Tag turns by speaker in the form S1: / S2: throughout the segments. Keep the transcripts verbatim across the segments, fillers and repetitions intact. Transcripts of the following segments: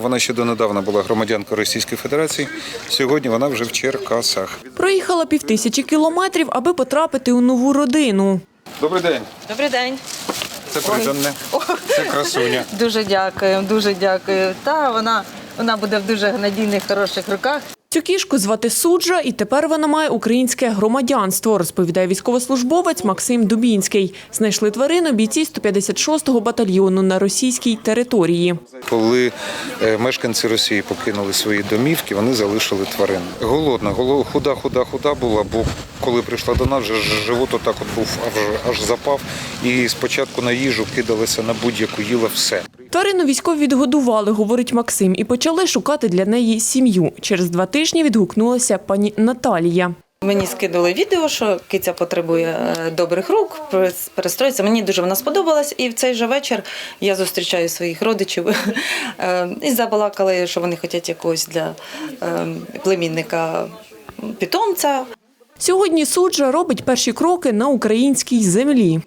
S1: вона ще донедавна була громадянкою Російської Федерації. Сьогодні вона вже в Черкасах.
S2: Проїхала півтисячі кілометрів, аби потрапити у нову родину.
S1: Добрий день.
S3: Добрий день.
S1: Це приданне. Це красуня.
S3: Дуже дякую, дуже дякую. Та вона, вона буде в дуже надійних, хороших руках.
S2: Цю кішку звати Суджа, і тепер вона має українське громадянство, розповідає військовослужбовець Максим Дубінський. Знайшли тварину бійці сто п'ятдесят шостого батальйону на російській території.
S1: Коли мешканці Росії покинули свої домівки, вони залишили тварин. Голодна, худа, худа, худа була, бо коли прийшла до нас, живот отак от був, аж, аж запав. І спочатку на їжу кидалися на будь-яку, їла все.
S2: Тварину військові відгодували, говорить Максим, і почали шукати для неї сім'ю. Через два тижні відгукнулася пані Наталія.
S3: Мені скинули відео, що киця потребує добрих рук, перестроїться. Мені дуже вона сподобалась. І в цей же вечір я зустрічаю своїх родичів і забалакали, що вони хочуть якогось для племінника питомця.
S2: Сьогодні Суджа робить перші кроки на українській землі.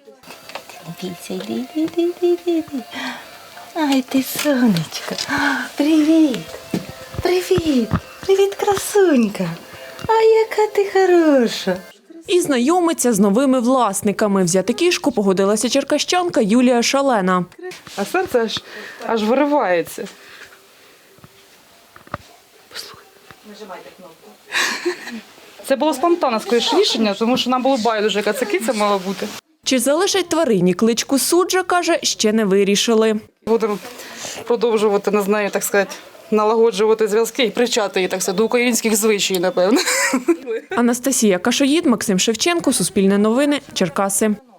S3: Ай, ти сонечко. Привіт. Привіт. Привіт, красунька. А яка ти хороша.
S2: І знайомиться з новими власниками. Взяти кішку погодилася черкащанка Юлія Шалена.
S4: А серце аж, аж виривається. Послухай.
S3: Нажимайте кнопку.
S4: Це було спонтанне скоріше рішення, тому що нам було байдуже, яка це киця мала бути.
S2: Чи залишать тварині кличку Суджа, каже, ще не вирішили.
S4: Будемо продовжувати, не знаю, так сказати, налагоджувати зв'язки і привчати її, так сказати, до українських звичаїв, напевно.
S2: Анастасія Кашоїд, Максим Шевченко, Суспільне новини, Черкаси.